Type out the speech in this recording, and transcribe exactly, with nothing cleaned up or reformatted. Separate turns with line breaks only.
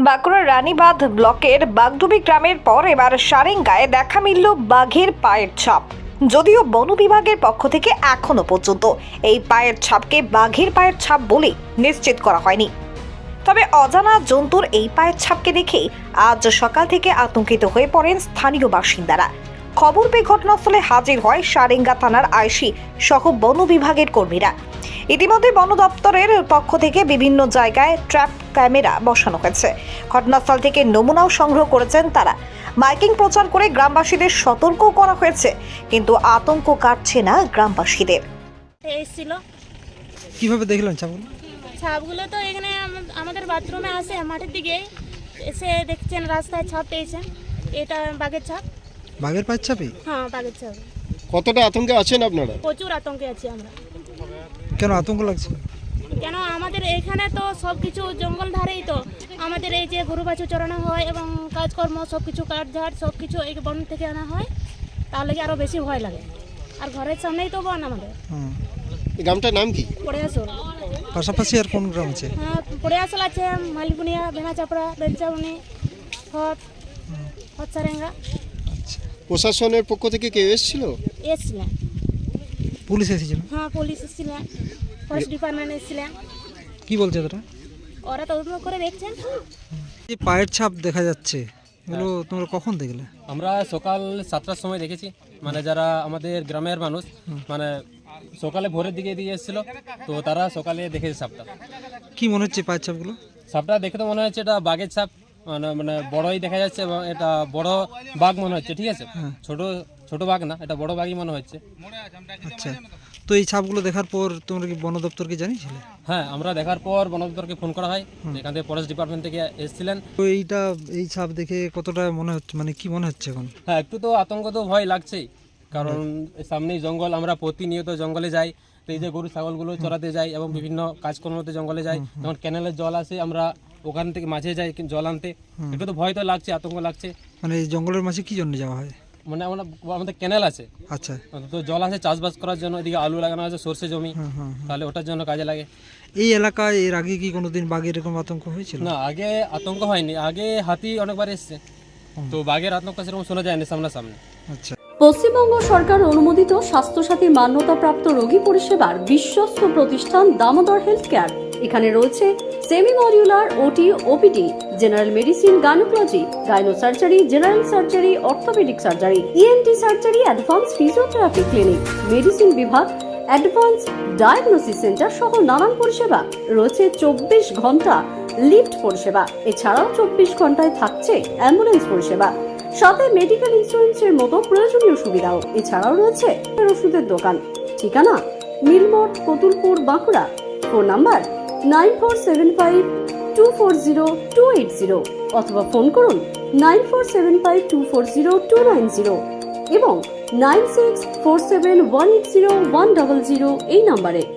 বাঁকুড়ার রানীবাঁধ ব্লকের বাগডুবি গ্রামের পর এবার সারেঙ্গায় দেখা মিলল বাঘের পায়ের ছাপ। যদিও বন বিভাগের পক্ষ থেকে এখনো পর্যন্ত এই পায়ের ছাপকে বাঘের পায়ের ছাপ বলে নিশ্চিত করা হয়নি। তবে অজানা জন্তুর এই পায়ের ছাপকে দেখে আজ সকাল থেকে আতঙ্কিত হয়ে পড়েন স্থানীয় বাসিন্দারা। খবর পেয়ে ঘটনাস্থলে হাজির হয় সারেঙ্গা থানার আইসি সহ বন বিভাগের কর্মীরা। ইতিমধ্যে বন দপ্তরের পক্ষ থেকে বিভিন্ন জায়গায় ট্র্যাপ ক্যামেরা বসানো হয়েছে। ঘটনাস্থল থেকে নমুনাও সংগ্রহ করেছেন তারা। মাইকিং প্রচার করে গ্রামবাসীদের সতর্ক করা হয়েছে, কিন্তু আতঙ্ক কাটছে না গ্রামবাসীদের।
এসেছিল
কিভাবে দেখলেন ছাপগুলো?
ছাপগুলো তো এখানে আম- আমাদের বাথরুমে আসে, মাঠের দিকে এসে দেখছেন রাস্তায় ছাপ পেয়েছেন। এটা বাঘের ছাপ।
বাঘের পায়ের ছাপই?
হ্যাঁ, বাঘের ছাপ।
কতটা আতঙ্কে আছেন আপনারা?
প্রচুর আতঙ্কে আছি আমরা।
কেন আতঙ্ক লাগছে?
কেন আমাদের এখানে তো সব কিছু জঙ্গল ধারেই, তো আমাদের এই যে গরু বাছুর চড়ানো হয় এবং কাজকর্ম সব কিছু কাঠঝাড় সব কিছু এই বন থেকে আনা হয়, তাহলে কি আরও বেশি ভয় লাগে। আর ঘরের সামনেই তো বন আমাদের।
হুম।
এই গ্রামটার নাম কি?
পড়ে আসল।
পাশাপাশি আর কোন গ্রাম আছে?
হ্যাঁ, পড়ে আসল আছে, মালিপুনিয়া, বেনা চাপড়া, বেলচাউনি, হট হট সারেঙ্গা।
আচ্ছা,
প্রশাসনের পক্ষ থেকে কেউ এসেছিল?
এসছিলেন।
পুলিশ এসেছিল?
হ্যাঁ, পুলিশ এসেছিলেন, ফরেস্ট ডিপার্টমেন্ট এসেছিলেন।
কি বলছে তারা?
ওরা তদন্ত করে দেখছেন।
এই পায়ের ছাপ দেখা যাচ্ছে, এগুলো তোমরা কখন দেখলে?
আমরা সকাল সাতটার সময় দেখেছি। মানে যারা আমাদের গ্রামের মানুষ, মানে সকালে ভোরের দিকে দিয়ে এসেছিল, তো তারা সকালে দেখেছে সাপটা।
কি মনে হচ্ছে পায়ের ছাপগুলো?
সাপটা দেখে তো মনে হচ্ছে এটা বাঘের ছাপ, মানে মানে বড়ই দেখা যাচ্ছে এবং এটা বড় বাঘ মনে হচ্ছে। ঠিক আছে, ছোট ছোট বাঘ না, এটা বড় বাঘই মনে হচ্ছে।
আচ্ছা, তো এই ছাপগুলো দেখার পর তোমরা কি বন দপ্তরকে জানিয়েছিলে?
হ্যাঁ, আমরা দেখার পর বন দপ্তরকে ফোন করা হয়, এখান থেকে ফরেস্ট ডিপার্টমেন্ট থেকে এসেছিলেন।
তো এইটা এই ছাপ দেখে কতটা মনে হচ্ছে, মানে কি মনে হচ্ছে এখন?
হ্যাঁ, একটু তো আতঙ্ক তো ভয় লাগছেই, কারণ সামনেই জঙ্গল, আমরা প্রতিনিয়ত জঙ্গলে যাই। তো এই যে গরু ছাগলগুলো চড়াতে যাই এবং বিভিন্ন কাজকর্মতে জঙ্গলে যাই, যেমন ক্যানেলের জল আসে, আমরা ওখান থেকে মাঝে যাই জল আনতে। একটু তো ভয় তো লাগছে, আতঙ্ক লাগছে।
মানে এই জঙ্গলের মাঝে কি জন্য যাওয়া হয়?
মানে আমরা আমাদের ক্যানেল আছে,
আচ্ছা,
তো জল আছে চাষবাস করার জন্য, এদিকে আলু লাগানো আছে, সর্ষে জমি,
হুম হুম।
তাহলে ওটার জন্য কাজে লাগে।
এই এলাকায় এর আগে কি কোনোদিন বাঘের এরকম আতঙ্ক হয়েছিল?
না, আগে আতঙ্ক হয়নি, আগে হাতি অনেকবার এসছে, তো বাঘের আতঙ্ক সেরকম শোনা যায়নি সামনাসামনি।
আচ্ছা,
পশ্চিমবঙ্গ সরকার অনুমোদিত স্বাস্থ্যসাথী মান্যতাপ্রাপ্ত রোগী পরিষেবার বিশ্বস্ত প্রতিষ্ঠান দামোদর হেলথ কেয়ার। এখানে রয়েছে semi modular OT, OPD, general medicine, gynaecology, gynae surgery, general surgery, orthopaedic surgery, ENT surgery, advance physiotherapy clinic, medicine বিভাগ, অ্যাডভান্স ডায়াগনোসিস সেন্টার সহ নানান পরিষেবা রয়েছে। চব্বিশ ঘন্টা লিফট পরিষেবা, এছাড়াও চব্বিশ ঘন্টায় থাকছে অ্যাম্বুলেন্স পরিষেবা, সাথে মেডিকেল ইন্স্যুরেন্সের মতো প্রয়োজনীয় সুবিধাও। এছাড়াও রয়েছে ওষুধের দোকান। ঠিকানা Milmor, Kotulpur, Bankura. Phone number nine four seven five two four zero two eight zero অথবা ফোন করুন nine four seven five two four zero two nine zero এবং nine six four seven one eight zero one double zero এই নাম্বারে।